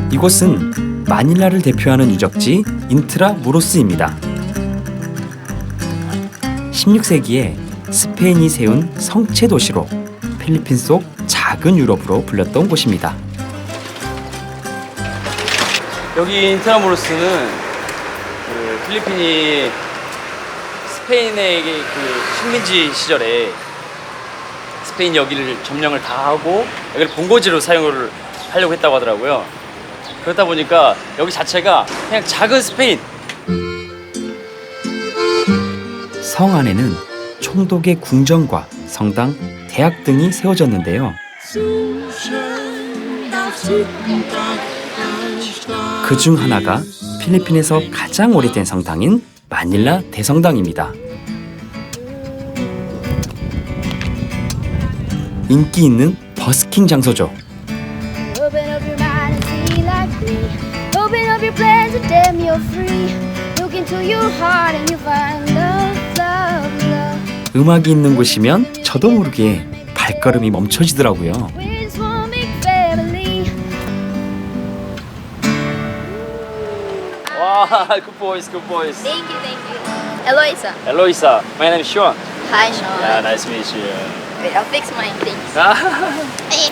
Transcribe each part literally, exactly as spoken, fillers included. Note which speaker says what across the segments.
Speaker 1: 이곳은 마닐라를 대표하는 유적지 인트라무로스입니다. 십육 세기에 스페인이 세운 성체 도시로 필리핀 속 작은 유럽으로 불렸던 곳입니다.
Speaker 2: 여기 인트라무로스는 그 필리핀이 스페인의 그 식민지 시절에 스페인 여기를 점령을 다 하고 여기를 본거지로 사용을 하려고 했다고 하더라고요. 그렇다 보니까 여기 자체가 그냥 작은 스페인.
Speaker 1: 성 안에는 총독의 궁전과 성당, 대학 등이 세워졌는데요. 그 중 하나가 필리핀에서 가장 오래된 성당인 마닐라 대성당입니다. 인기 있는 버스킹 장소죠. 음악이 있는 곳이면 저도 모르게 발걸음이 멈춰지더라고요.
Speaker 2: 와, good boys, good boys.
Speaker 3: Thank you, thank you. Eloisa.
Speaker 2: Eloisa, my name is Sean.
Speaker 3: Hi, Sean.
Speaker 2: Yeah, nice to meet you.
Speaker 3: Wait, I'll fix mine, thanks. Hey.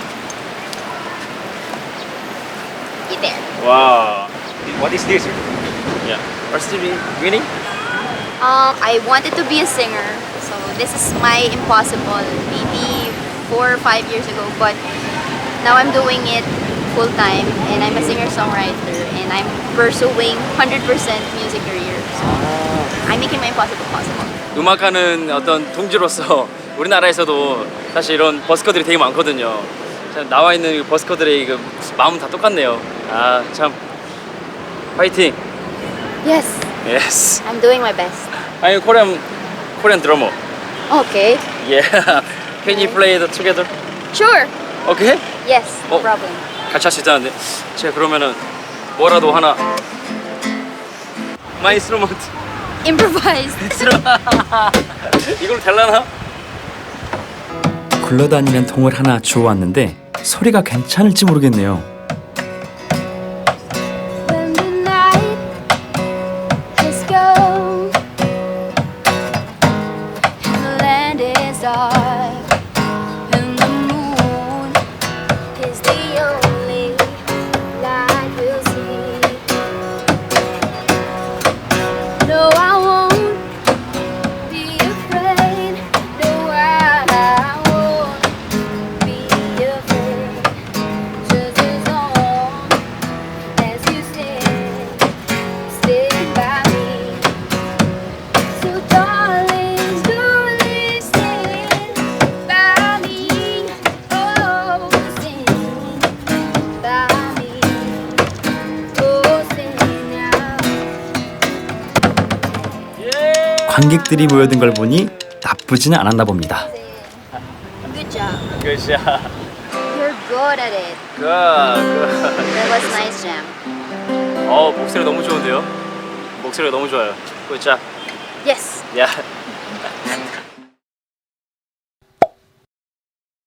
Speaker 3: You there.
Speaker 2: Wow.
Speaker 4: What is this?
Speaker 2: Yeah. What's the winning?
Speaker 3: Um, I wanted to be a singer, so this is my impossible. Maybe four or five years ago, but now I'm doing it full time, and I'm a singer-songwriter, and I'm pursuing one hundred percent music career. So I'm making my impossible possible.
Speaker 2: 음악하는 어떤 동지로서 우리나라에서도 사실 이런 버스커들이 되게 많거든요. 참 나와 있는 버스커들의 그 마음 다 똑같네요. 아, 참 파이팅.
Speaker 3: Yes,
Speaker 2: Yes.
Speaker 3: I'm doing my best.
Speaker 2: I'm Korean Korean drummer.
Speaker 3: Okay.
Speaker 2: Yeah. Can you play it together?
Speaker 3: Sure.
Speaker 2: Okay?
Speaker 3: Yes, no
Speaker 2: 어.
Speaker 3: problem.
Speaker 2: 같이 할 수 있다는데 제가 그러면은 뭐라도 하나 마이 인스트루먼트
Speaker 3: Improvise.
Speaker 2: 이걸로 될라나?
Speaker 1: 굴러다니는 통을 하나 주워왔는데 소리가 괜찮을지 모르겠네요.
Speaker 3: When the night has gone and the land is dark and the moon is the only light we'll see. No, I won't be afraid. No, I won't be afraid. Just as long as you stand, stand by me. So darling, slowly stand by me. Oh, stand by me. Oh, stand now.
Speaker 1: 관객들이 모여든 걸 보니 나쁘지는 않았나 봅니다.
Speaker 3: Good job.
Speaker 2: Good job.
Speaker 3: You're good at it.
Speaker 2: Good, good.
Speaker 3: That was nice jam.
Speaker 2: 어, 목소리 너무 좋은데요? 목소리가 너무 좋아요. Good job.
Speaker 3: Yes.
Speaker 2: Yeah.